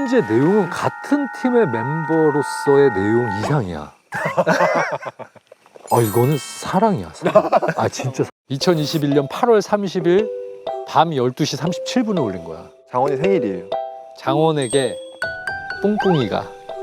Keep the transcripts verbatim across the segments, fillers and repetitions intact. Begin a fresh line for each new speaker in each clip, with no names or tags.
현재 내용은 같은 팀의 멤버로서의 내용 이상이야. 아 이거는 사랑이야. 사랑. 아 진짜. 이천이십일 년 팔월 삼십일 밤 열두 시 삼십칠 분에 올린 거야.
장원이 생일이에요.
장원에게 뿡뿡이가.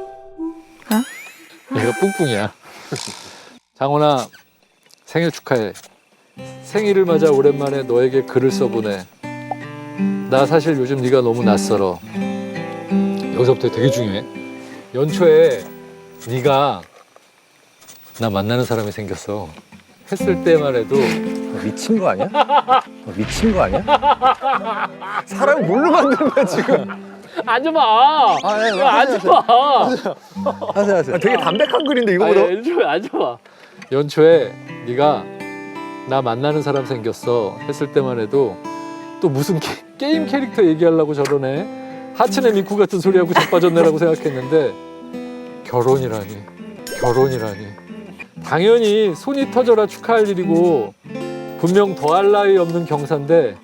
어?
얘가 뿡뿡이야. 장원아 생일 축하해. 생일을 맞아 오랜만에 너에게 글을 써보내. 나 사실 요즘 네가 너무 낯설어. 여기서부터 되게 중요해. 연초에 네가 나 만나는 사람이 생겼어. 했을 때만 해도
미친 거 아니야? 미친 거 아니야?
사람 뭘로 만드는 거야 지금?
앉아봐.
아, 예,
야, 앉아봐.
하세요 하세요.
아, 되게 담백한 글인데 이거보다.
아니, 연초에 앉아봐. 연초에 네가 나 만나는 사람 생겼어 했을 때만 해도 또 무슨 게, 게임 캐릭터 얘기하려고 저러네. 하츠네 미쿠 같은 소리하고 자빠졌네라고 생각했는데 결혼이라니. 결혼이라니. 당연히 손이 터져라 축하할 일이고 분명 더할 나위 없는 경사인데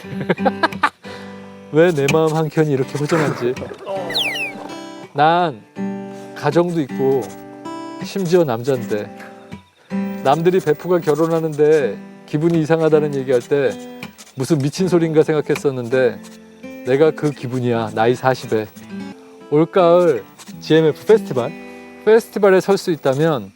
왜 내 마음 한켠이 이렇게 허전한지. 난 가정도 있고 심지어 남잔데 남들이 베프가 결혼하는데 기분이 이상하다는 얘기할 때 무슨 미친 소린가 생각했었는데 내가 그 기분이야. 나이 사십에 올가을 지엠에프 페스티벌 페스티벌에 설 수 있다면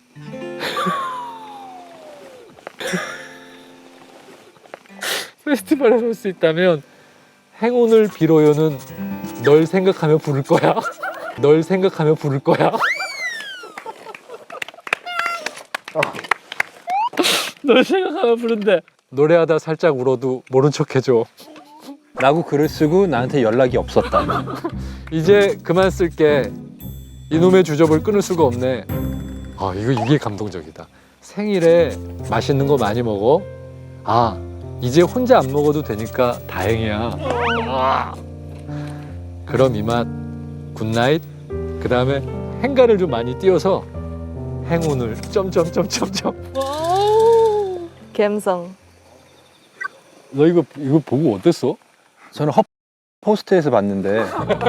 페스티벌에 설 수 있다면 행운을 빌어요는 널 생각하며 부를 거야. 널 생각하며 부를 거야. 널 생각하며 부른대. 노래하다 살짝 울어도 모른 척 해줘.
라고 글을 쓰고 나한테 연락이 없었다.
이제 그만 쓸게. 이놈의 주접을 끊을 수가 없네. 아 이거 이게 감동적이다. 생일에 맛있는 거 많이 먹어. 아 이제 혼자 안 먹어도 되니까 다행이야. 아. 그럼 이만 굿나잇. 그 다음에 행간을 좀 많이 띄워서 행운을 점점점점점.
감성.
너 이거 이거 보고 어땠어?
저는 헛 포스트에서 봤는데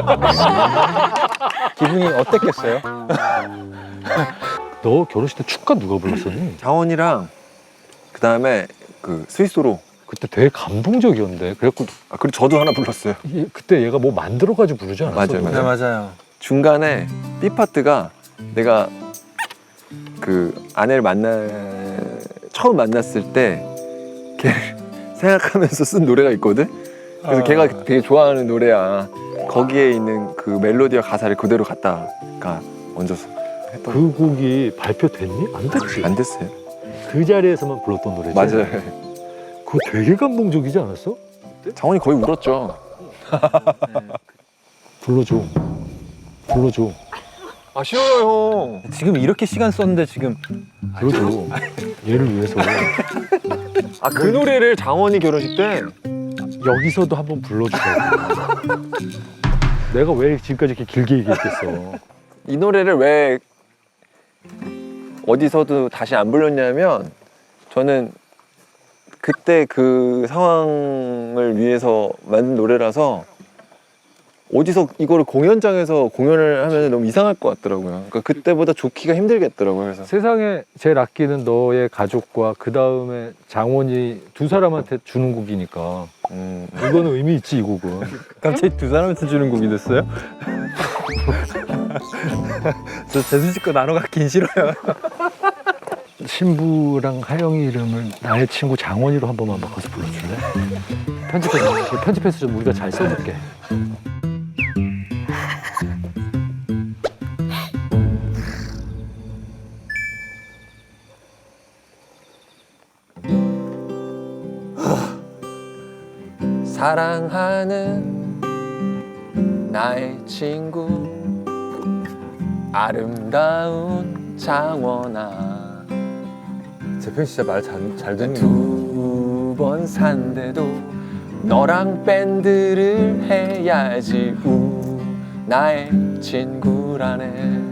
기분이 어땠겠어요?
너 결혼식 때 축가 누가 불렀었니?
장원이랑 그 다음에 그 스위스로.
그때 되게 감동적이었는데. 그래갖고
아 그리고 저도 하나 불렀어요.
이- 그때 얘가 뭐 만들어가지고 부르지 않았어?
맞아요,
네 맞아요.
중간에 B 파트가 내가 그 아내를 만나 처음 만났을 때 걔를 생각하면서 쓴 노래가 있거든. 그래서
아.
걔가 되게 좋아하는 노래야. 거기에 있는 그 멜로디와 가사를 그대로 갖다가 얹어서 했던.
그 곡이 발표됐니? 안 됐지.
안 됐어요.
그 자리에서만 불렀던 노래지.
맞아요.
그거 되게 감동적이지 않았어?
장원이 거의 울었죠.
불러줘. 불러줘.
아 싫어요 형.
지금 이렇게 시간 썼는데 지금
불러줘. 얘를 위해서.
아 그 노래를 장원이 결혼식 때
여기서도 한번 불러주라고. 내가 왜 지금까지 이렇게 길게 얘기했겠어.
이 노래를 왜 어디서도 다시 안 불렀냐면 저는 그때 그 상황을 위해서 만든 노래라서 어디서 이거를 공연장에서 공연을 하면 너무 이상할 것 같더라고요. 그러니까 그때보다 좋기가 힘들겠더라고요. 그래서
세상에 제일 아끼는 너의 가족과 그 다음에 장원이 두 사람한테 주는 곡이니까
음,
이거는 의미 있지. 이 곡은.
갑자기 두 사람한테 주는 곡이 됐어요? 저 재수 씨거 나눠 갖긴 싫어요.
신부랑 하영이 이름을 나의 친구 장원이로 한 번만 바꿔서 불러줄래? 편집해서, 편집해서 좀 우리가 잘 써줄게.
사랑하는 나의 친구 아름다운 장원아
재평 진짜 말 잘 잘 듣는
두 번 산대도 너랑 밴드를 해야지 우 나의 친구라네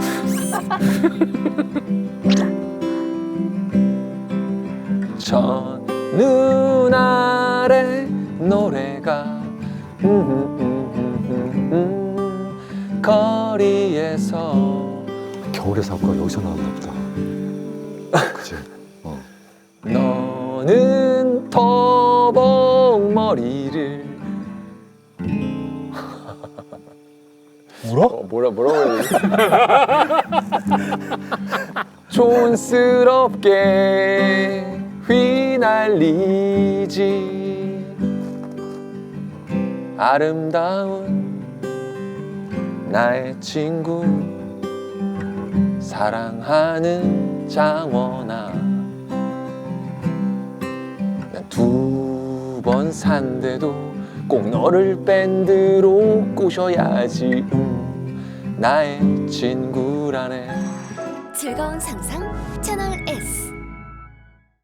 첫눈 아래 노래가 거리에서
겨울의 사고가 여기서 나왔나 보다. 그치? 어.
너는 터벅머리를
울어?
어, 뭐라 뭐라고 해야 되지? 촌스럽게 휘날리지 아름다운 나의 친구 사랑하는 장원아 두 번 산데도 꼭 너를 밴드로 꼬셔야지 음, 나의 친구라네
즐거운 상상 채널